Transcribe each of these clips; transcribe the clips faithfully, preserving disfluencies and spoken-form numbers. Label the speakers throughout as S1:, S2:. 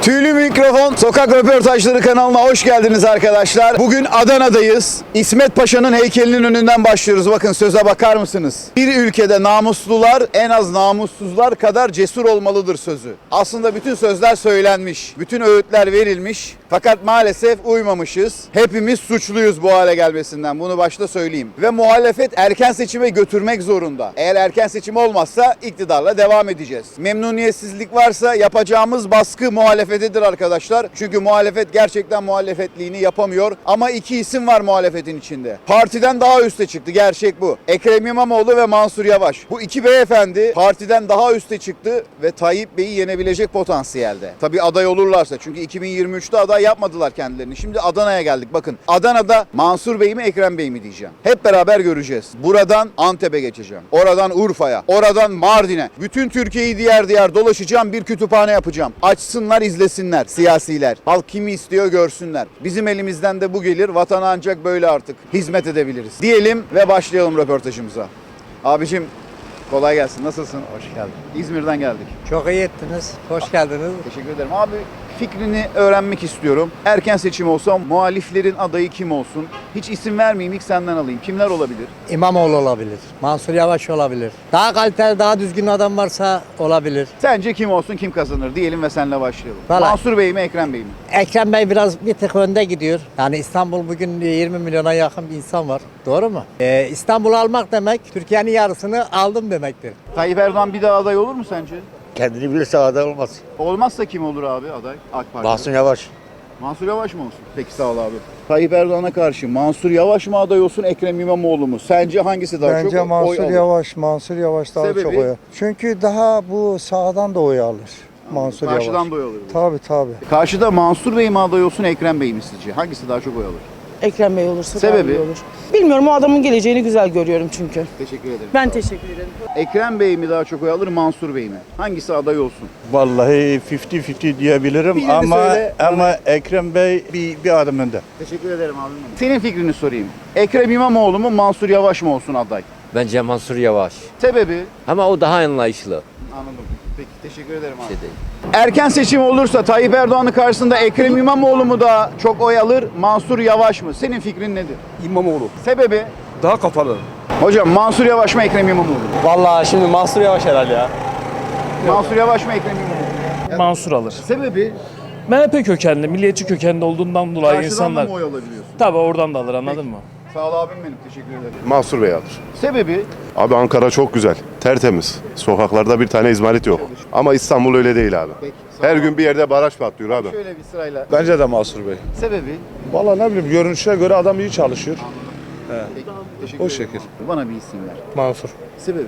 S1: Tüylü Mikrofon Sokak Röportajları kanalına hoş geldiniz arkadaşlar. Bugün Adana'dayız. İsmet Paşa'nın heykelinin önünden başlıyoruz. Bakın söze bakar mısınız? Bir ülkede namuslular en az namussuzlar kadar cesur olmalıdır sözü. Aslında bütün sözler söylenmiş. Bütün öğütler verilmiş. Fakat maalesef uymamışız. Hepimiz suçluyuz bu hale gelmesinden. Bunu başta söyleyeyim. Ve muhalefet erken seçime götürmek zorunda. Eğer erken seçim olmazsa iktidarla devam edeceğiz. Memnuniyetsizlik varsa yapacağımız baskı muhalefetedir arkadaşlar. Çünkü muhalefet gerçekten muhalefetliğini yapamıyor. Ama iki isim var muhalefetin içinde. Partiden daha üste çıktı. Gerçek bu. Ekrem İmamoğlu ve Mansur Yavaş. Bu iki beyefendi partiden daha üste çıktı ve Tayyip Bey'i yenebilecek potansiyelde. Tabii aday olurlarsa. Çünkü iki bin yirmi üçte aday yapmadılar kendilerini. Şimdi Adana'ya geldik. Bakın Adana'da Mansur Bey mi Ekrem Bey mi diyeceğim. Hep beraber göreceğiz. Buradan Antep'e geçeceğim. Oradan Urfa'ya. Oradan Mardin'e. Bütün Türkiye'yi diğer diğer dolaşacağım. Bir kütüphane yapacağım. Açsınlar, izlesinler siyasiler. Halk kimi istiyor görsünler. Bizim elimizden de bu gelir. Vatana ancak böyle artık hizmet edebiliriz. Diyelim ve başlayalım röportajımıza. Abicim kolay gelsin. Nasılsın?
S2: Hoş geldin.
S1: İzmir'den geldik.
S2: Çok iyi ettiniz. Hoş geldiniz.
S1: Teşekkür ederim. Abi fikrini öğrenmek istiyorum. Erken seçim olsa muhaliflerin adayı kim olsun? Hiç isim vermeyeyim, ilk senden alayım. Kimler olabilir?
S2: İmamoğlu olabilir. Mansur Yavaş olabilir. Daha kaliteli, daha düzgün adam varsa olabilir.
S1: Sence kim olsun, kim kazanır diyelim ve seninle başlayalım.
S2: Vallahi-
S1: Mansur Bey mi, Ekrem Bey mi?
S2: Ekrem Bey biraz bir tık önde gidiyor. Yani İstanbul bugün yirmi milyona yakın bir insan var. Doğru mu? Ee, İstanbul'u almak demek Türkiye'nin yarısını aldım demektir.
S1: Tayyip Erdoğan bir daha aday olur mu sence?
S3: Kendini bilirse aday olmaz.
S1: Olmazsa kim olur abi aday? AK Parti.
S3: Mahsun Yavaş.
S1: Mansur Yavaş mı olsun? Peki sağ ol abi. Tayyip Erdoğan'a karşı Mansur Yavaş mı aday olsun, Ekrem İmamoğlu mu? Sence hangisi daha
S4: Bence
S1: çok
S4: Mansur
S1: oy alır?
S4: Yavaş, Mansur Yavaş daha
S1: Sebebi?
S4: çok oy alır. Çünkü daha bu sağdan da oy alır Mansur
S1: Karşıdan
S4: Yavaş.
S1: da oy alır.
S4: Tabii tabii.
S1: Karşıda Mansur Bey mi aday olsun, Ekrem Bey mi sizce? Hangisi daha çok oy alır?
S5: Ekrem Bey olursa
S1: Sebebi?
S5: daha iyi olur. Bilmiyorum, o adamın geleceğini güzel görüyorum çünkü.
S1: Teşekkür ederim.
S5: Ben teşekkür ederim.
S1: Ekrem Bey mi daha çok oy alır, Mansur Bey mi? Hangisi aday olsun?
S6: Vallahi elli elli diyebilirim
S1: Birini
S6: ama
S1: söyle.
S6: ama Ekrem Bey bir, bir adım önde.
S1: Teşekkür ederim abim. Senin fikrini sorayım. Ekrem İmamoğlu mu, Mansur Yavaş mı olsun aday?
S7: Bence Mansur Yavaş.
S1: Sebebi?
S7: Ama o daha anlayışlı.
S1: Anladım. Peki teşekkür ederim abi.
S7: Şey değil.
S1: Erken seçim olursa Tayyip Erdoğan'ın karşısında Ekrem İmamoğlu mu daha çok oy alır, Mansur Yavaş mı? Senin fikrin nedir?
S8: İmamoğlu.
S1: Sebebi?
S8: Daha kapalı.
S1: Hocam Mansur Yavaş mı, Ekrem İmamoğlu mu?
S8: Vallahi şimdi Mansur Yavaş herhalde ya.
S1: Mansur Yavaş mı, Ekrem İmamoğlu mu?
S9: Mansur alır.
S1: Sebebi?
S9: M H P kökenli, milliyetçi kökenli olduğundan dolayı
S1: Karşıdan
S9: insanlar...
S1: da mı oy alabiliyorsun?
S9: Tabii oradan da alır, anladın mı?
S1: Sağ ol abim benim. Teşekkür ederim.
S10: Mansur Bey alır.
S1: Sebebi?
S10: Abi Ankara çok güzel, tertemiz. Sokaklarda bir tane izmarit yok. Ama İstanbul öyle değil abi.
S1: Peki. sağ
S10: Her
S1: ol.
S10: gün bir yerde baraj patlıyor abi.
S1: Şöyle bir sırayla.
S8: Bence de Mansur Bey.
S1: Sebebi?
S8: Vallahi ne bileyim görünüşe göre adam iyi çalışıyor.
S1: Peki. Teşekkür
S8: O
S1: ederim
S8: şekil.
S1: abi. Bana bir isim ver.
S8: Mansur.
S1: Sebebi?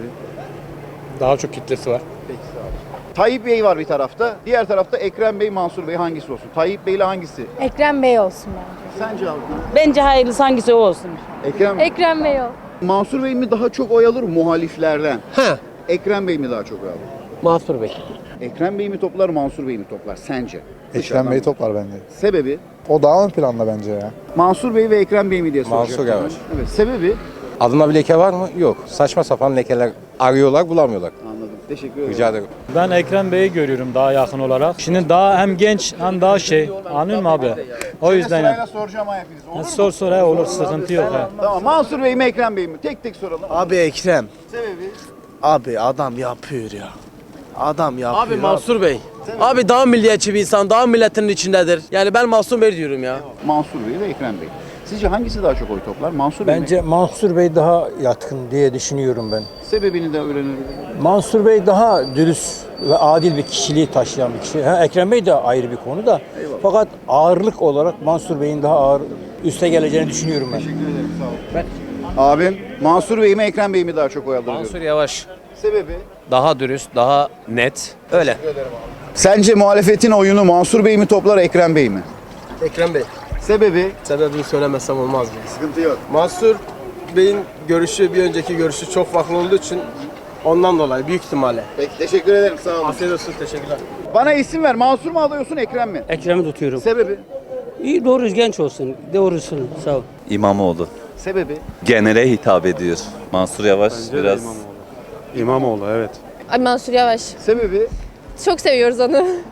S8: Daha çok kitlesi var.
S1: Peki sağ ol. Tayyip Bey var bir tarafta. Diğer tarafta Ekrem Bey, Mansur Bey hangisi olsun? Tayyip Bey ile hangisi?
S11: Ekrem Bey olsun bence.
S1: Sence abi?
S5: Bence hayırlısı hangisi o olsun.
S1: Ekrem
S11: Ekrem Bey ol.
S1: Mansur Bey mi daha çok oy alır muhaliflerden?
S3: Ha,
S1: Ekrem Bey mi daha çok oy alır?
S3: Mansur Bey.
S1: Ekrem Bey mi toplar, Mansur Bey mi toplar sence?
S4: Ekrem
S1: Dışarıdan
S4: Bey
S1: bak.
S4: toplar bence.
S1: Sebebi?
S4: O daha ön planda bence ya.
S1: Mansur Bey ve Ekrem Bey mi diye soracak.
S3: Mansur Yavaş.
S1: Evet. Sebebi?
S3: Adına bir leke var mı? Yok. Saçma sapan lekeler arıyorlar, bulamıyorlar.
S1: Anladım. Teşekkür ederim.
S3: Rica ederim.
S9: Ben Ekrem Bey'i görüyorum daha yakın olarak. Şimdi daha hem genç hem daha şey, anlıyor musun abi? O
S1: Şöyle
S9: yüzden
S1: sırayla
S9: yani.
S1: soracağım ha hepiniz. Olur mu?
S9: Sor sor he, olur, sıkıntı yok he.
S1: Tamam. Mansur Bey mi, Ekrem Bey mi? Tek tek soralım.
S8: Abi Ekrem.
S1: Sebebi?
S8: Abi adam yapıyor ya. Adam yapıyor.
S3: Abi Mansur Bey. Abi daha milliyetçi bir insan, daha milletin içindedir. Yani ben Mansur Bey diyorum ya.
S1: Mansur Bey ve Ekrem Bey. Sizce hangisi daha çok oy toplar? Mansur Bey
S4: Bence
S1: mi?
S4: Mansur Bey daha yatkın diye düşünüyorum ben.
S1: Sebebini de öğrenelim.
S4: Mansur Bey daha dürüst ve adil bir kişiliği taşıyan bir kişi. Ha, Ekrem Bey de ayrı bir konu da.
S1: Eyvallah.
S4: Fakat ağırlık olarak Mansur Bey'in daha ağır üste geleceğini düşünüyorum ben.
S1: Teşekkür ederim. Sağ olun. Abim Mansur Bey mi, Ekrem Bey mi daha çok oy alır?
S7: Mansur
S1: diyorum.
S7: Yavaş.
S1: Sebebi?
S7: Daha dürüst, daha net. Öyle.
S1: Sence muhalefetin oyunu Mansur Bey mi toplar, Ekrem Bey mi?
S8: Ekrem Bey.
S1: Sebebi?
S8: Sebebini söylemezsem olmaz mı?
S1: Sıkıntı yok.
S8: Mansur Bey'in görüşü bir önceki görüşü çok farklı olduğu için ondan dolayı büyük ihtimalle.
S1: Peki teşekkür ederim. Sağ olun.
S8: Afiyet olsun, teşekkürler.
S1: Bana isim ver. Mansur mu aday olsun, Ekrem mi?
S12: Ekrem'i tutuyorum.
S1: Sebebi?
S12: İyi, doğru, genç olsun. Doğrusun. Sağ ol.
S13: İmamoğlu.
S1: Sebebi?
S13: Genele hitap ediyor. Mansur Yavaş biraz...
S8: İmamoğlu evet.
S11: Ay Mansur Yavaş.
S1: Sebebi?
S11: Çok seviyoruz onu.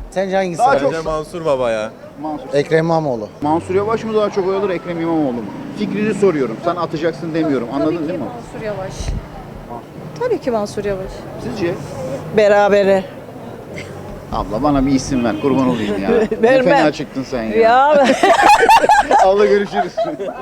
S2: Sence hangisi?
S1: Daha çok
S8: Mansur Baba ya.
S1: Mansur.
S2: Ekrem İmamoğlu.
S1: Mansur Yavaş mı daha çok oy alır, Ekrem İmamoğlu mu? Fikrini soruyorum. Sen atacaksın demiyorum. Anladın değil mi?
S11: Mansur Yavaş. Tabii ki Mansur Yavaş.
S1: Sizce?
S5: Berabere.
S1: Abla bana bir isim ver. Kurban olayım ya. Ne
S5: Vermem.
S1: fena çıktın sen ya.
S5: Ya
S1: Abla görüşürüz.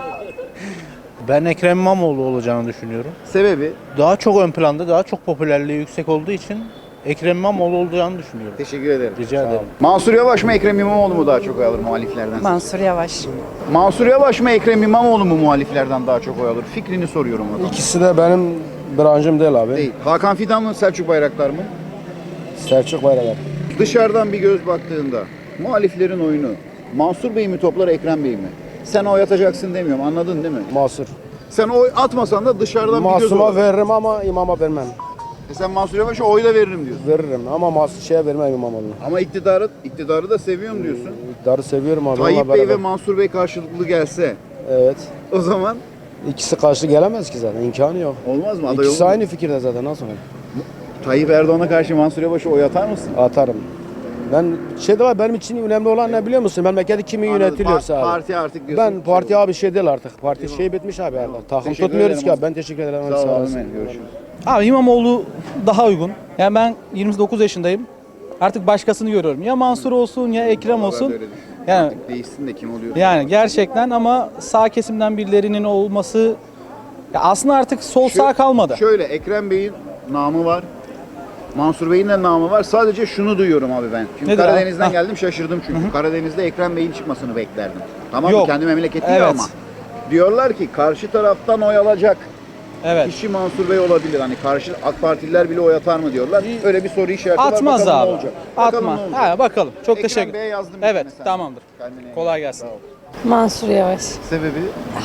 S8: Ben Ekrem İmamoğlu olacağını düşünüyorum.
S1: Sebebi?
S8: Daha çok ön planda, daha çok popülerliği yüksek olduğu için Ekrem İmamoğlu olacağını düşünüyorum.
S1: Teşekkür ederim.
S8: Rica ederim.
S1: Mansur Yavaş mı, Ekrem İmamoğlu mu daha çok oy alır muhaliflerden?
S5: Mansur Yavaş.
S1: Mansur Yavaş mı, Ekrem İmamoğlu mu muhaliflerden daha çok oy alır? Fikrini soruyorum adama.
S8: İkisi de benim branşım değil abi.
S1: Değil. Hakan Fidan mı, Selçuk Bayraktar mı?
S8: Selçuk Bayraktar.
S1: Dışarıdan bir göz baktığında muhaliflerin oyunu Mansur Bey mi toplar, Ekrem Bey mi? Sen oy atacaksın demiyorum, anladın değil mi?
S8: Mansur.
S1: Sen oy atmasan da dışarıdan bir göz
S8: Masum'a
S1: olur.
S8: veririm ama imama vermem.
S1: E sen Mansur Yavaş'a oy da veririm diyorsun.
S8: Veririm ama Masum şeye vermem İmamoğlu'na.
S1: Ama iktidarı iktidarı da seviyorum diyorsun.
S8: İktidarı seviyorum abi.
S1: Tayyip
S8: onunla
S1: Bey ve
S8: beraber.
S1: Mansur Bey karşılıklı gelse
S8: Evet.
S1: o zaman
S8: İkisi karşı gelemez ki zaten. İmkanı yok.
S1: olmaz mı? Aday
S8: İkisi
S1: olur mu?
S8: aynı fikirde zaten. Nasıl olur?
S1: Tayyip Erdoğan'a karşı Mansur Yavaş'a oy atar mısın?
S8: Atarım. Ben şey de var, benim için önemli olan ne biliyor musun? Memleketi kimi
S1: Anladım.
S8: yönetiliyorsa
S1: Pa-
S8: abi.
S1: Parti artık diyorsun.
S8: Ben parti abi şey değil artık. Parti şey bitmiş abi artık. Takım
S1: Teşekkür
S8: tutmuyoruz
S1: ederim
S8: ki
S1: abi.
S8: abi. Ben teşekkür ederim.
S1: Sağ
S8: Sağ
S1: olun.
S8: olasın.
S1: Görüşürüz.
S9: Abi İmamoğlu daha uygun. Yani ben yirmi dokuz yaşındayım. Artık başkasını görüyorum. Ya Mansur olsun ya Ekrem olsun.
S1: Ben de öyle düşünüyorum.
S9: Yani
S1: Artık değişsin de kim oluyor?
S9: yani gerçekten ama sağ kesimden birilerinin olması ya aslında artık sol sağ kalmadı.
S1: Şöyle Ekrem Bey'in namı var. Mansur Bey'in de namı var. Sadece şunu duyuyorum abi ben. Çünkü
S9: Nedir abi?
S1: Karadeniz'den
S9: Ha.
S1: geldim şaşırdım çünkü. Karadeniz'de Ekrem Bey'in çıkmasını beklerdim. Tamam mı?
S9: Yok.
S1: Kendi memleketi
S9: Evet.
S1: ama. Diyorlar ki karşı taraftan oy alacak
S9: Evet.
S1: kişi Mansur Bey olabilir. Hani karşı AK Partililer bile oy atar mı diyorlar. Öyle bir soru işareti var.
S9: Atmaz
S1: Bakalım
S9: abi.
S1: ne olacak. Bakalım
S9: Atma.
S1: ne olacak.
S9: Ha, bakalım. Çok
S1: Ekrem
S9: teşekkür
S1: Bey'e yazdım.
S9: Evet,
S1: mesela.
S9: tamamdır.
S1: Kendine iyi
S9: Kolay
S1: bak.
S9: gelsin.
S1: Sağ ol.
S11: Mansur Yavaş.
S1: Sebebi?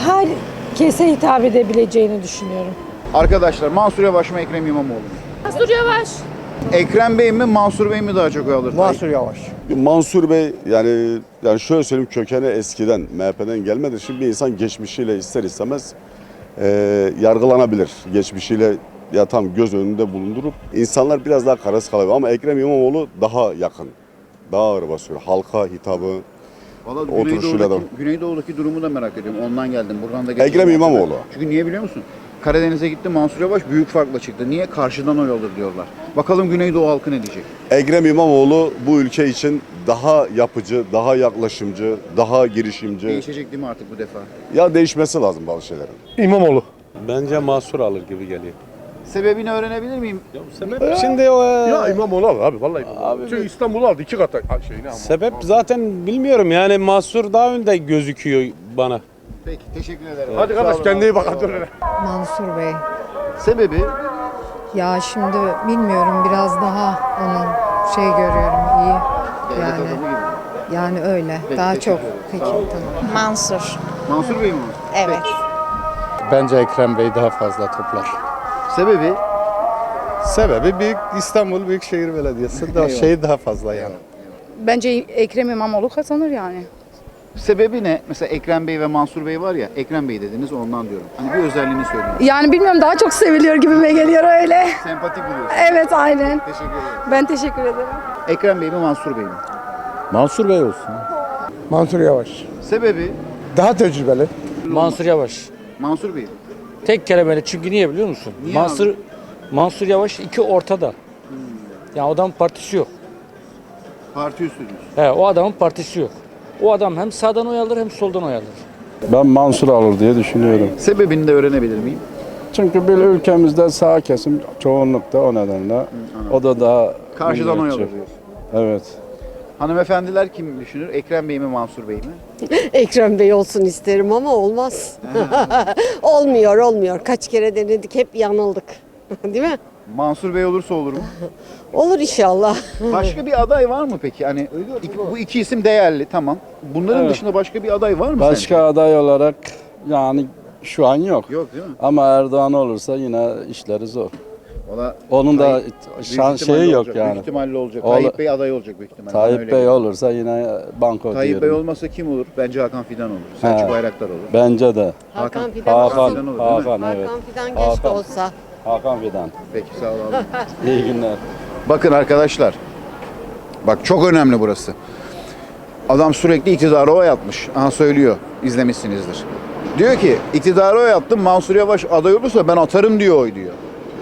S11: Herkese hitap edebileceğini düşünüyorum.
S1: Arkadaşlar Mansur Yavaş mı, Ekrem İmamoğlu mu?
S11: Mansur Yavaş.
S1: Ekrem Bey mi, Mansur Bey mi daha çok oy alır?
S8: Mansur Yavaş.
S10: Mansur Bey yani yani şöyle söyleyeyim kökeni eskiden M H P'den gelmedi. Şimdi bir insan geçmişiyle ister istemez e, yargılanabilir. Geçmişiyle ya tam göz önünde bulundurup insanlar biraz daha kararsız kalabilir. Ama Ekrem İmamoğlu daha yakın. Daha ağır basıyor. Halka hitabı.
S1: Valla
S10: Oturuşuyla
S1: Güneydoğu'daki,
S10: da.
S1: Güneydoğu'daki durumu da merak ediyorum. Ondan geldim. Buradan da geçtim.
S10: Ekrem İmamoğlu.
S1: Çünkü niye biliyor musun? Karadeniz'e gitti, Mansur Yavaş büyük farkla çıktı. Niye? Karşıdan oy alır diyorlar. Bakalım Güneydoğu halkı ne diyecek?
S10: Ekrem İmamoğlu bu ülke için daha yapıcı, daha yaklaşımcı, daha girişimci.
S1: Değişecek değil mi artık bu defa?
S10: Ya değişmesi lazım bazı şeylerin.
S8: İmamoğlu.
S9: Bence Mansur alır gibi geliyor.
S1: Sebebini öğrenebilir miyim?
S9: Şimdi o
S8: Ya İmamoğlu alır abi vallahi. Abi, Çünkü İstanbul'u aldı iki kata şeyini ama.
S9: sebep zaten bilmiyorum yani Mansur daha önde gözüküyor bana.
S1: Peki, teşekkür ederim.
S8: Hadi kardeş kendine iyi bak. Hadi.
S11: Mansur Bey.
S1: Sebebi?
S11: Ya şimdi bilmiyorum, biraz daha onun şey görüyorum, iyi.
S1: Devlet
S11: Yani
S1: adamı gibi.
S11: yani öyle.
S1: Peki,
S11: daha
S1: teşekkür
S11: çok.
S1: ederim.
S11: Peki
S1: Sağ olun.
S11: tamam.
S5: Mansur.
S1: Mansur Bey mi?
S5: Evet.
S8: Bence Ekrem Bey daha fazla toplar.
S1: Sebebi?
S8: Sebebi büyük İstanbul Büyükşehir Belediyesi daha şey daha fazla yani.
S5: Bence Ekrem İmamoğlu kazanır yani.
S1: Sebebi ne? Mesela Ekrem Bey ve Mansur Bey var ya, Ekrem Bey dediniz ondan diyorum. Hani bir özelliğini söyleyin.
S5: Yani bilmiyorum, daha çok seviliyor gibime geliyor öyle.
S1: Sempatik buluyorsun.
S5: Evet, aynen.
S1: Teşekkür ederim.
S5: Ben teşekkür ederim.
S1: Ekrem Bey mi, Mansur Bey mi?
S8: Mansur Bey olsun. Mansur Yavaş.
S1: Sebebi?
S8: Daha tecrübeli.
S4: Mansur Yavaş.
S1: Mansur Bey mi?
S4: Tek kelimeyle, çünkü niye biliyor musun?
S1: Niye
S4: Mansur
S1: abi?
S4: Mansur Yavaş iki ortada. Ya o adamın partisi yok.
S1: Parti üstü diyorsun.
S4: He, o adamın partisi yok. O adam hem sağdan oy alır hem soldan oy alır.
S8: Ben Mansur alır diye düşünüyorum.
S1: Sebebini de öğrenebilir miyim?
S8: Çünkü bir ülkemizde sağ kesim çoğunlukta o nedenle. O da daha
S1: Karşıdan oy alır
S8: milliyetçi.
S1: diyorsun.
S8: Evet.
S1: Hanımefendiler kim düşünür? Ekrem Bey mi, Mansur Bey mi?
S5: Ekrem Bey olsun isterim ama olmaz. olmuyor, olmuyor. Kaç kere denedik, hep yanıldık. Değil mi?
S1: Mansur Bey olursa olur mu?
S5: Olur inşallah.
S1: Başka bir aday var mı peki? Hani iki- bu iki isim değerli, tamam. Bunların
S8: Evet.
S1: dışında başka bir aday var mı
S8: Başka aday olarak yani şu an yok.
S1: sence? Yok değil mi?
S8: Ama Erdoğan olursa yine işleri zor.
S1: Valla
S8: Onun da
S1: Tayyip-
S8: şan
S1: büyük ihtimalle
S8: şeyi yok
S1: olacak,
S8: yani.
S1: Büyük ihtimalle olacak.
S8: Ola-
S1: Tayyip Bey aday olacak büyük ihtimalle. Bana
S8: Tayyip
S1: öyle
S8: Bey
S1: geliyor.
S8: olursa yine banko
S1: Tayyip Bey
S8: diyorum.
S1: olmasa kim olur? Bence Hakan Fidan olur. Selçuk
S8: He.
S1: Bayraktar olur.
S8: Bence de.
S5: Hakan Fidan
S8: Hakan,
S1: Fidan olur,
S5: olsun.
S1: değil mi?
S8: Hakan evet.
S5: Hakan Fidan
S8: Hakan.
S5: keşke olsa.
S8: Hakan Fidan.
S1: Peki sağ ol abi.
S8: İyi günler.
S1: Bakın arkadaşlar. Bak çok önemli burası. Adam sürekli iktidara oy atmış. Aha söylüyor. İzlemişsinizdir. Diyor ki iktidara oy attım. Mansur Yavaş aday olursa ben atarım diyor oy diyor.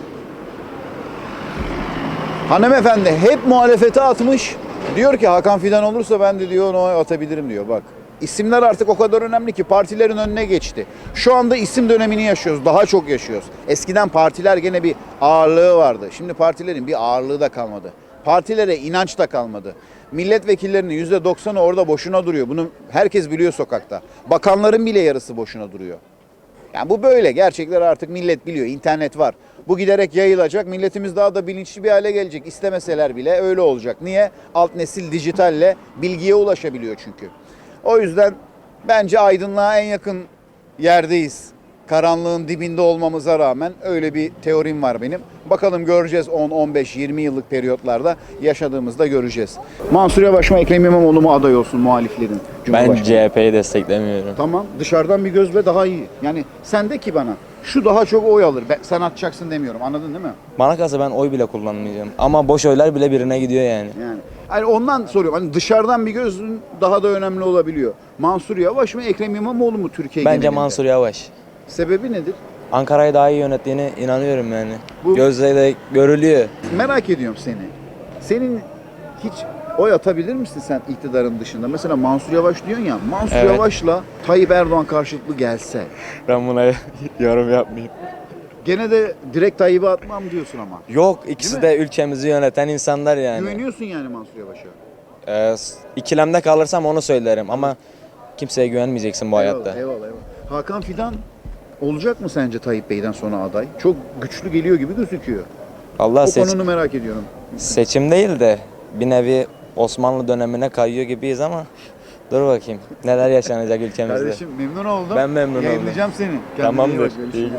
S1: Hanımefendi hep muhalefete atmış. Diyor ki Hakan Fidan olursa ben de diyor ona oy atabilirim diyor. Bak isimler artık o kadar önemli ki partilerin önüne geçti. Şu anda isim dönemini yaşıyoruz. Daha çok yaşıyoruz. Eskiden partiler gene bir ağırlığı vardı. Şimdi partilerin bir ağırlığı da kalmadı. Partilere inanç da kalmadı. Milletvekillerinin yüzde doksanı orada boşuna duruyor. Bunu herkes biliyor sokakta. Bakanların bile yarısı boşuna duruyor. Yani bu böyle. Gerçekler artık millet biliyor. İnternet var. Bu giderek yayılacak. Milletimiz daha da bilinçli bir hale gelecek. İstemeseler bile öyle olacak. Niye? Alt nesil dijitalle bilgiye ulaşabiliyor çünkü. O yüzden bence aydınlığa en yakın yerdeyiz. Karanlığın dibinde olmamıza rağmen öyle bir teorim var benim. Bakalım göreceğiz on, on beş, yirmi yıllık periyotlarda yaşadığımızda göreceğiz. Mansur Yavaş mı Ekrem İmamoğlu mu aday olsun muhaliflerin?
S7: Ben C H P'yi desteklemiyorum.
S1: Tamam dışarıdan bir gözle daha iyi. Yani sen de ki bana şu daha çok oy alır. Ben, sen atacaksın demiyorum anladın değil mi?
S7: Bana kalsa ben oy bile kullanmayacağım. Ama boş oylar bile birine gidiyor yani.
S1: Yani hani ondan soruyorum. Hani dışarıdan bir gözün daha da önemli olabiliyor. Mansur Yavaş mı Ekrem İmamoğlu mu Türkiye
S7: Bence
S1: genelinde?
S7: Mansur Yavaş.
S1: Sebebi nedir?
S7: Ankara'yı daha iyi yönettiğine inanıyorum yani.
S1: Bu-
S7: Gözle de görülüyor.
S1: Merak ediyorum seni. Senin hiç oy atabilir misin sen iktidarın dışında? Mesela Mansur Yavaş diyorsun ya. Mansur
S7: Evet.
S1: Yavaş'la Tayyip Erdoğan karşılıklı gelse.
S7: Ben buna yorum yapmayayım.
S1: Gene de direkt Tayyip'e atmam diyorsun ama.
S7: Yok ikisi
S1: Değil
S7: de ülkemizi yöneten insanlar yani.
S1: Güveniyorsun yani Mansur Yavaş'a.
S7: Ee, ikilemde kalırsam onu söylerim ama kimseye güvenmeyeceksin bu hayatta.
S1: Eyvallah, eyvallah, eyvallah. Hakan Fidan olacak mı sence Tayyip Bey'den sonra aday? Çok güçlü geliyor gibi gözüküyor.
S7: Allah
S1: O
S7: seç-
S1: konunu merak ediyorum.
S7: seçim değil de bir nevi Osmanlı dönemine kayıyor gibiyiz ama dur bakayım neler yaşanacak ülkemizde.
S1: Kardeşim memnun oldum.
S7: Ben memnun oldum.
S1: Yayınlayacağım seni. Kendine iyi
S7: Tamamdır.
S1: bak, görüşürüz.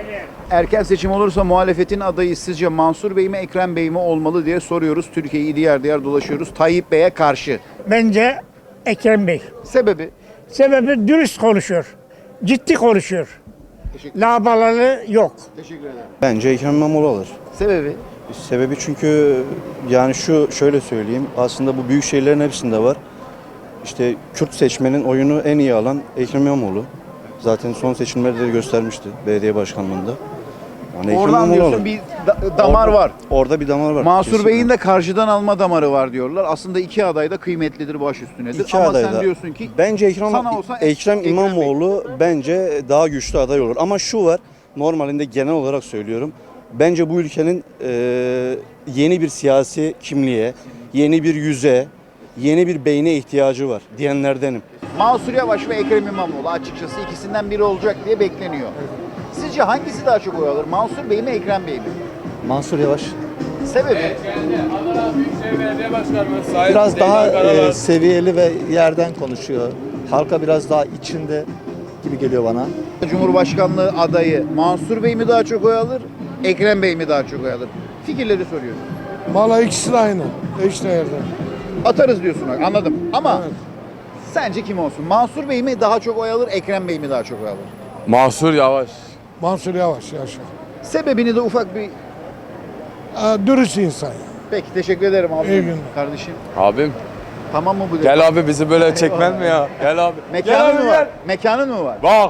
S1: Erken seçim olursa muhalefetin adayı sizce Mansur Bey mi Ekrem Bey mi olmalı diye soruyoruz. Türkiye'yi diğer diğer dolaşıyoruz. Tayyip Bey'e karşı.
S14: Bence Ekrem Bey.
S1: Sebebi?
S14: Sebebi dürüst konuşuyor. Ciddi konuşuyor.
S1: Teşekkür,
S14: Labaları yok.
S1: teşekkür ederim.
S6: Bence Ekrem İmamoğlu alır.
S1: Sebebi?
S6: Sebebi çünkü yani şu şöyle söyleyeyim. Aslında bu büyük şehirlerin hepsinde var. İşte Kürt seçmenin oyunu en iyi alan Ekrem İmamoğlu. Zaten son seçimlerde de göstermişti belediye başkanlığında. Yani Ekrem
S1: Oradan
S6: İmamoğlu
S1: diyorsun
S6: alır.
S1: bir da- damar
S6: Orada-
S1: var.
S6: Orada bir damar var.
S1: Mansur
S6: kesinlikle.
S1: Bey'in de karşıdan alma damarı var diyorlar. Aslında iki aday da kıymetlidir, baş üstünedir.
S6: İki
S1: Ama
S6: aday
S1: sen
S6: da.
S1: diyorsun ki
S6: Bence Ekrem,
S1: sana olsa
S6: Ekrem
S1: Ekrem
S6: İmamoğlu bence daha güçlü aday olur. Ama şu var, normalinde genel olarak söylüyorum. Bence bu ülkenin e, yeni bir siyasi kimliğe, yeni bir yüze, yeni bir beyne ihtiyacı var diyenlerdenim.
S1: Mansur Yavaş ve Ekrem İmamoğlu açıkçası ikisinden biri olacak diye bekleniyor. Sizce hangisi daha çok oy alır? Mansur Bey mi Ekrem Bey mi?
S4: Mansur Yavaş.
S1: Sebebi?
S4: Biraz daha e, seviyeli ve yerden konuşuyor. Halka biraz daha içinde gibi geliyor bana.
S1: Cumhurbaşkanlığı adayı Mansur Bey mi daha çok oy alır? Ekrem Bey mi daha çok oy alır? Fikirleri soruyorum.
S14: Valla ikisi de aynı. Eş değerde.
S1: Atarız diyorsun anladım. Ama sence kim olsun? Mansur Bey mi daha çok oy alır? Ekrem Bey mi daha çok oy alır?
S3: Mansur Yavaş.
S14: Mansur Yavaş yaşa.
S1: Sebebini de ufak bir...
S14: Dürüst insan.
S1: Peki teşekkür ederim abi.
S14: İyi günler.
S1: Kardeşim.
S3: Abim
S1: Tamam mı bu?
S3: gel abi bizi böyle çekmen mi ya? Gel abi.
S1: Mekanın mı var? Mekanın mı var?
S3: Bak.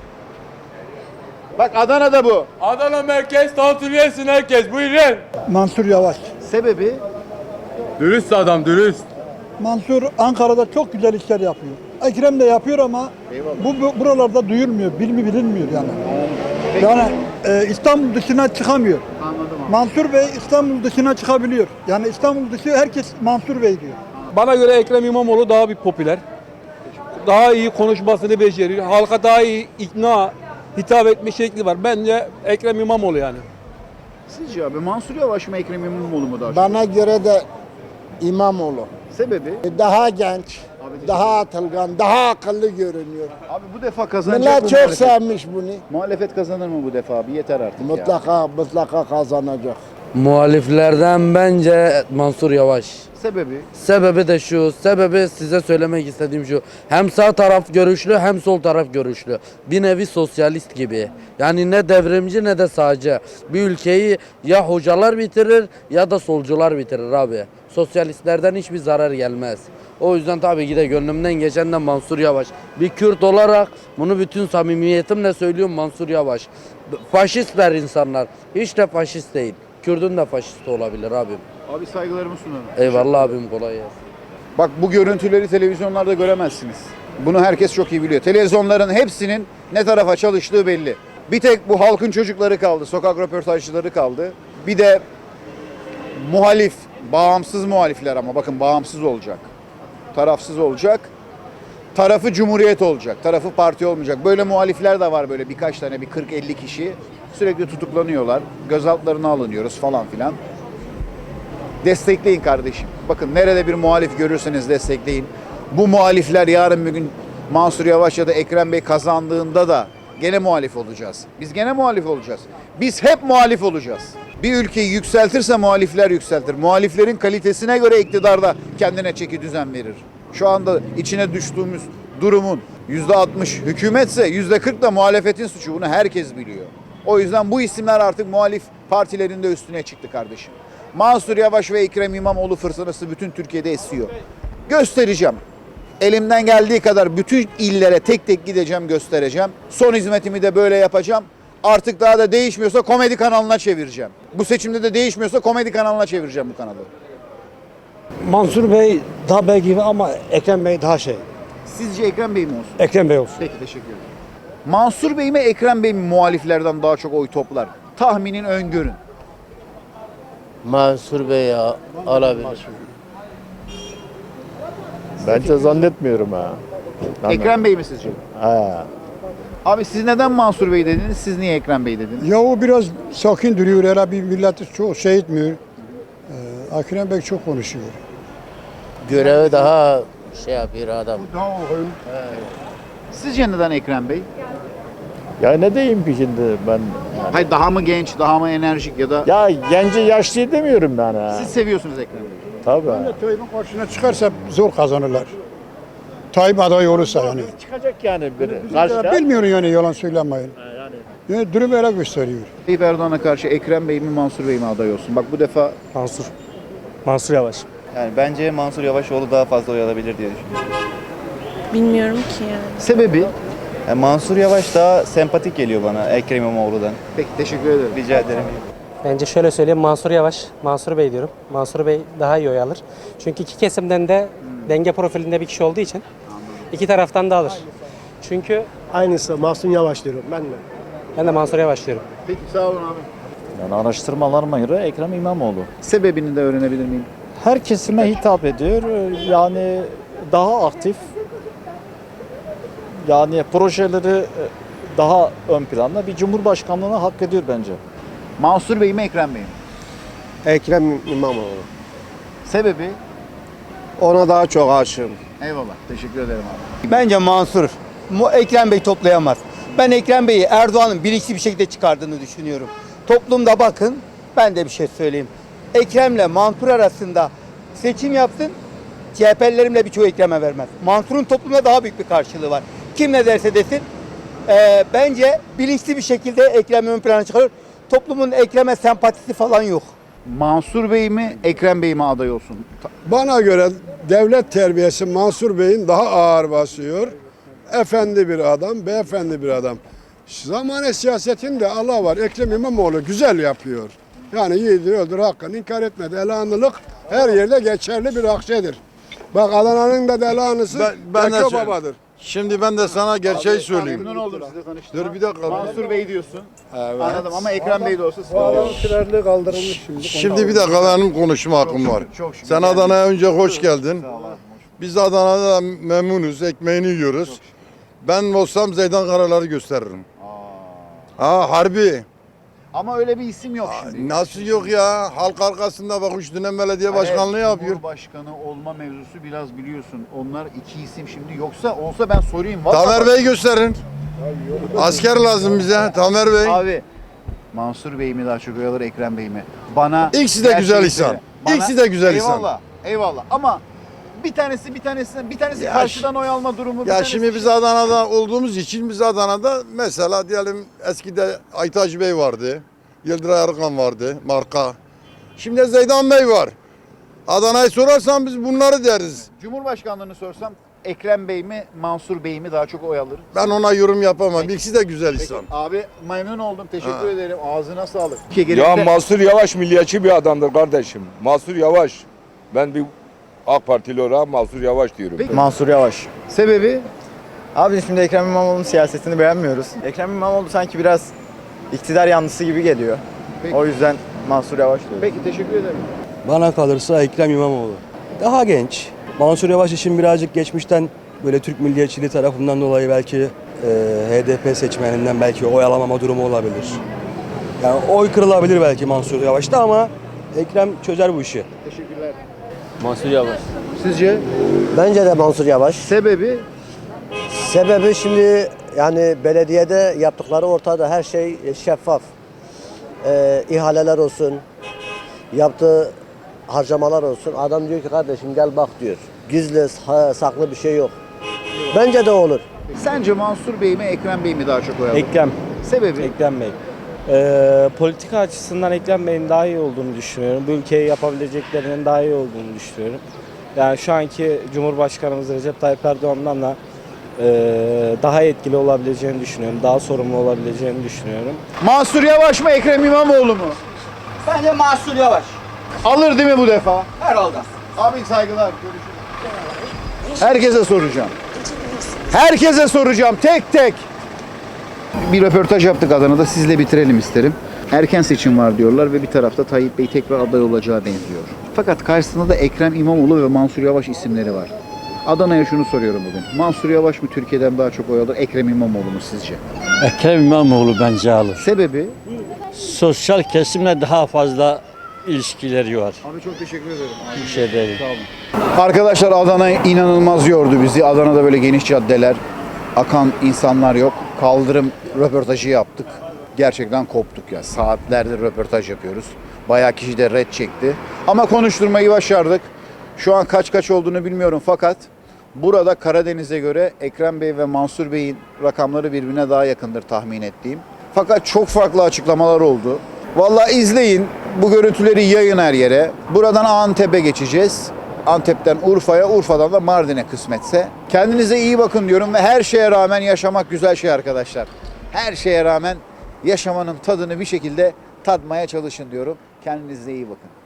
S1: Bak Adana'da bu.
S3: Adana merkez tantuni yesin herkes buyurun.
S14: Mansur Yavaş.
S1: Sebebi?
S3: Dürüst adam dürüst.
S14: Mansur Ankara'da çok güzel işler yapıyor. Ekrem de yapıyor ama
S1: Eyvallah.
S14: bu, bu buralarda duyulmuyor, bilmi bilinmiyor yani.
S1: Peki.
S14: Yani e, İstanbul dışına çıkamıyor.
S1: Anladım abi.
S14: Mansur Bey İstanbul dışına çıkabiliyor. Yani İstanbul dışı herkes Mansur Bey diyor.
S9: Bana göre Ekrem İmamoğlu daha bir popüler. Daha iyi konuşmasını beceriyor. Halka daha iyi ikna, hitap etme şekli var. Bence Ekrem İmamoğlu yani.
S1: Sizce abi Mansur Yavaş mı Ekrem İmamoğlu mu daha çok?
S14: Bana göre de İmamoğlu.
S1: Sebebi?
S14: Daha genç,
S1: teşekkür
S14: daha atılgan, daha akıllı görünüyor.
S1: Abi bu defa kazanacak
S14: Millet
S1: mı
S14: çok
S1: muhalefet?
S14: sevmiş bunu.
S1: Muhalefet kazanır mı bu defa abi? Yeter artık ya.
S14: Mutlaka, mutlaka kazanacak.
S3: Muhaliflerden bence Mansur Yavaş.
S1: Sebebi?
S3: Sebebi de şu, sebebi size söylemek istediğim şu. Hem sağ taraf görüşlü hem sol taraf görüşlü. Bir nevi sosyalist gibi. Yani ne devrimci ne de sağcı. Bir ülkeyi ya hocalar bitirir ya da solcular bitirir abi. Sosyalistlerden hiçbir zarar gelmez. O yüzden tabii ki de gönlümden geçen de Mansur Yavaş. Bir Kürt olarak bunu bütün samimiyetimle söylüyorum, Mansur Yavaş. Faşistler insanlar. Hiç de faşist değil. Kürt'ün de faşisti olabilir abim.
S1: Abi saygılarımı sunarım.
S3: Eyvallah abim, kolay gelsin.
S1: Bak bu görüntüleri televizyonlarda göremezsiniz. Bunu herkes çok iyi biliyor. Televizyonların hepsinin ne tarafa çalıştığı belli. Bir tek bu halkın çocukları kaldı, sokak röportajcıları kaldı. Bir de muhalif, bağımsız muhalifler, ama bakın bağımsız olacak. Tarafsız olacak. Tarafı Cumhuriyet olacak, tarafı parti olmayacak. Böyle muhalifler de var, böyle birkaç tane, bir kırk elli kişi. Sürekli tutuklanıyorlar, gözaltlarına alınıyoruz falan filan. Destekleyin kardeşim. Bakın nerede bir muhalif görürseniz destekleyin. Bu muhalifler yarın bir gün Mansur Yavaş ya da Ekrem Bey kazandığında da gene muhalif olacağız. Biz gene muhalif olacağız. Biz hep muhalif olacağız. Bir ülkeyi yükseltirse muhalifler yükseltir. Muhaliflerin kalitesine göre iktidarda kendine çeki düzen verir. Şu anda içine düştüğümüz durumun yüzde altmış hükümetse yüzde kırk da muhalefetin suçu. Bunu herkes biliyor. O yüzden bu isimler artık muhalif partilerin de üstüne çıktı kardeşim. Mansur Yavaş ve Ekrem İmamoğlu fırtınası bütün Türkiye'de esiyor. Göstereceğim. Elimden geldiği kadar bütün illere tek tek gideceğim, göstereceğim. Son hizmetimi de böyle yapacağım. Artık daha da değişmiyorsa komedi kanalına çevireceğim. Bu seçimde de değişmiyorsa komedi kanalına çevireceğim bu kanalı.
S12: Mansur Bey daha bey gibi ama Ekrem Bey daha şey.
S1: Sizce Ekrem Bey mi olsun?
S12: Ekrem Bey olsun.
S1: Peki, teşekkür ederim. Mansur Bey mi, Ekrem Bey mi muhaliflerden daha çok oy toplar? Tahminin, öngörün.
S3: Mansur Bey ya alabilir.
S4: Bence zannetmiyorum ha.
S1: Ekrem Bey mi sizce?
S4: Ha.
S1: Abi siz neden Mansur Bey dediniz, siz niye Ekrem Bey dediniz?
S14: Ya o biraz sakin duruyor. Hele bir milleti çok şey etmiyor. Ee, Ekrem Bey çok konuşuyor.
S3: Görevi daha şey yapıyor adam.
S1: Sizce neden Ekrem Bey?
S4: Ya ne diyeyim ki şimdi ben?
S1: Hayır, daha mı genç, daha mı enerjik ya da...
S4: Ya genci yaşlı demiyorum ben ha.
S1: Siz seviyorsunuz Ekrem Bey'i.
S4: Tabii.
S14: Tayyip'in karşısına çıkarsa zor kazanırlar. Tayyip aday olursa yani.
S4: Çıkacak yani biri.
S14: Ya bilmiyorum yani, yalan söylemeyin. Yani. Yani durum öyle gösteriyor.
S1: Tayyip Erdoğan'a karşı Ekrem Bey mi, Mansur Bey mi aday olsun? Bak bu defa...
S12: Mansur. Mansur Yavaş.
S7: Yani bence Mansur Yavaşoğlu daha fazla oy alabilir diye düşünüyorum.
S5: Bilmiyorum ki yani.
S1: Sebebi?
S7: Yani Mansur Yavaş daha sempatik geliyor bana Ekrem İmamoğlu'dan.
S1: Peki, teşekkür ederim.
S7: Rica ederim.
S12: Bence şöyle söyleyeyim, Mansur Yavaş, Mansur Bey diyorum. Mansur Bey daha iyi oy alır. Çünkü iki kesimden de denge profilinde bir kişi olduğu için iki taraftan da alır. Çünkü
S8: Aynısı Mahsun Yavaş diyorum ben de.
S12: ben de Mansur Yavaş diyorum.
S1: Peki, sağ olun abi.
S4: Yani araştırmalarıma göre Ekrem İmamoğlu.
S1: Sebebini de öğrenebilir miyim?
S4: Her kesime hitap ediyor. Yani daha aktif. Yani projeleri daha ön planda, bir cumhurbaşkanlığına hak ediyor bence.
S1: Mansur Bey mi, Ekrem Bey mi?
S8: Ekrem İmamoğlu.
S1: Sebebi?
S8: Ona daha çok aşığım.
S1: Eyvallah, teşekkür ederim abi.
S15: Bence Mansur. Mu- Ekrem Bey toplayamaz. Ben Ekrem Bey'i Erdoğan'ın bilinçli bir şekilde çıkardığını düşünüyorum. Toplumda bakın, ben de bir şey söyleyeyim. Ekrem'le Mansur arasında seçim yapsın, C H P'lilerimle birçoğu Ekrem'e vermez. Mansur'un toplumda daha büyük bir karşılığı var. Kim ne derse desin, e, bence bilinçli bir şekilde Ekrem'i ön plana çıkarıyor. Toplumun Ekrem'e sempatisi falan yok.
S1: Mansur Bey mi, Ekrem Bey mi aday olsun?
S14: Bana göre devlet terbiyesi Mansur Bey'in daha ağır basıyor. Efendi bir adam, beyefendi bir adam. Zamane siyasetinde Allah var. Ekrem İmamoğlu güzel yapıyor. Yani yiğidir, öldür, hakkını inkar etmedi. Elanlılık her yerde geçerli bir akçedir. Bak Adana'nın da delanısı
S16: Ben- ben de
S14: Beko
S16: söyleyeyim.
S14: babadır.
S16: Şimdi ben de sana gerçeği söyleyeyim.
S1: Memnun oldum sizi tanıştığıma.
S16: Dur bir dakika.
S1: Mansur Bey diyorsun.
S16: Evet.
S1: Anladım ama Ekrem Bey de olsa sıkıntı yok.
S8: Trerli kaldırılmış şimdi.
S16: Şimdi bir dakika benim konuşma hakkım var.
S1: çok şükür.
S16: Sen Adana'ya önce hoş geldin. Biz de Adana'da memnunuz, ekmeğini yiyoruz. Ben olsam Zeydan Karalar'ı gösteririm. Aa harbi.
S1: Ama öyle bir isim yok şimdi.
S16: Nasıl yok ya? Halk arkasında bak üç dönem belediye başkanlığı
S1: Evet,
S16: yapıyor.
S1: Cumhurbaşkanı olma mevzusu biraz biliyorsun. Onlar iki isim şimdi. Yoksa olsa ben sorayım.
S16: Tamer Bey gösterin. Asker lazım bize Tamer Bey.
S1: Abi Mansur Bey mi daha çok oy alır, Ekrem Bey mi? Bana
S16: İkisi de güzel
S1: gerçeği
S16: insan.
S1: söyle. Bana-
S16: İkisi de güzel insan.
S1: Eyvallah, eyvallah. Ama bir tanesi bir tanesinden bir tanesi
S16: Ya
S1: karşıdan oy alma durumu. bir
S16: Ya
S1: tanesi
S16: şimdi biz Adana'da olduğumuz için biz Adana'da mesela diyelim eskide Aytaç Bey vardı. Yıldıray Arıkan vardı marka. Şimdi Zeydan Bey var. Adana'yı sorarsan biz bunları deriz.
S1: Cumhurbaşkanlığını sorsam Ekrem Bey mi, Mansur Bey mi daha çok oy alır?
S16: Ben ona yorum yapamam. İkisi de güzel insan.
S1: Abi memnun oldum. Teşekkür
S16: Ha.
S1: ederim. Ağzına sağlık.
S17: Ya Mansur Yavaş milliyetçi bir adamdır kardeşim. Mansur Yavaş. Ben bir AK Partili olarak Mansur Yavaş diyorum.
S18: Mansur Yavaş.
S1: Sebebi?
S18: Abi şimdi Ekrem İmamoğlu'nun siyasetini beğenmiyoruz. Ekrem İmamoğlu sanki biraz iktidar yanlısı gibi geliyor.
S1: Peki.
S18: O yüzden Mansur Yavaş diyorum.
S1: Peki teşekkür ederim.
S19: Bana kalırsa Ekrem İmamoğlu. Daha genç. Mansur Yavaş için birazcık geçmişten böyle Türk milliyetçiliği tarafından dolayı belki e, H D P seçmeninden belki oy alamama durumu olabilir. Yani oy kırılabilir belki Mansur Yavaş'ta ama Ekrem çözer bu işi.
S1: Teşekkürler.
S19: Mansur Yavaş.
S1: Sizce?
S20: Bence de Mansur Yavaş.
S1: Sebebi?
S20: Sebebi şimdi yani belediyede yaptıkları ortada, her şey şeffaf. Ee, ihaleler olsun, yaptığı harcamalar olsun. Adam diyor ki kardeşim gel bak diyor. Gizli, ha- saklı bir şey yok. Bence de olur.
S1: Sence Mansur Bey mi, Ekrem Bey mi daha çok oy alır?
S12: Ekrem.
S1: Sebebi?
S12: Ekrem Bey. Ee, politika açısından Ekrem Bey'in daha iyi olduğunu düşünüyorum. Bu ülkeye yapabileceklerinin daha iyi olduğunu düşünüyorum. Yani şu anki Cumhurbaşkanımız Recep Tayyip Erdoğan'dan da e, daha etkili olabileceğini düşünüyorum. Daha sorumlu olabileceğini düşünüyorum.
S1: Mansur Yavaş mı, Ekrem İmamoğlu mu?
S15: Bence Mansur Yavaş.
S1: Alır değil mi bu defa?
S15: Herhalde.
S1: Abi saygılar. Görüşürüz. Herkese soracağım. Herkese soracağım tek tek. Bir röportaj yaptık Adana'da. Sizle bitirelim isterim. Erken seçim var diyorlar ve bir tarafta Tayyip Bey tekrar aday olacağı benziyor. Fakat karşısında da Ekrem İmamoğlu ve Mansur Yavaş isimleri var. Adana'ya şunu soruyorum bugün. Mansur Yavaş mı Türkiye'den daha çok oy alır, Ekrem İmamoğlu mu sizce?
S21: Ekrem İmamoğlu bence alır.
S1: Sebebi?
S21: Sosyal kesimle daha fazla ilişkileri var.
S1: Abi çok teşekkür ederim.
S21: Bir şey değil.
S1: Sağ olun. Arkadaşlar Adana inanılmaz yordu bizi. Adana'da böyle geniş caddeler, akan insanlar yok. Kaldırım röportajı yaptık. Gerçekten koptuk ya. Saatlerdir röportaj yapıyoruz. Bayağı kişi de red çekti. Ama konuşturmayı başardık. Şu an kaç kaç olduğunu bilmiyorum fakat burada Karadeniz'e göre Ekrem Bey ve Mansur Bey'in rakamları birbirine daha yakındır tahmin ettiğim. Fakat çok farklı açıklamalar oldu. Vallahi izleyin. Bu görüntüleri yayın her yere. Buradan Antep'e geçeceğiz. Antep'ten Urfa'ya, Urfa'dan da Mardin'e kısmetse. Kendinize iyi bakın diyorum ve her şeye rağmen yaşamak güzel şey arkadaşlar. Her şeye rağmen yaşamanın tadını bir şekilde tadmaya çalışın diyorum. Kendinize iyi bakın.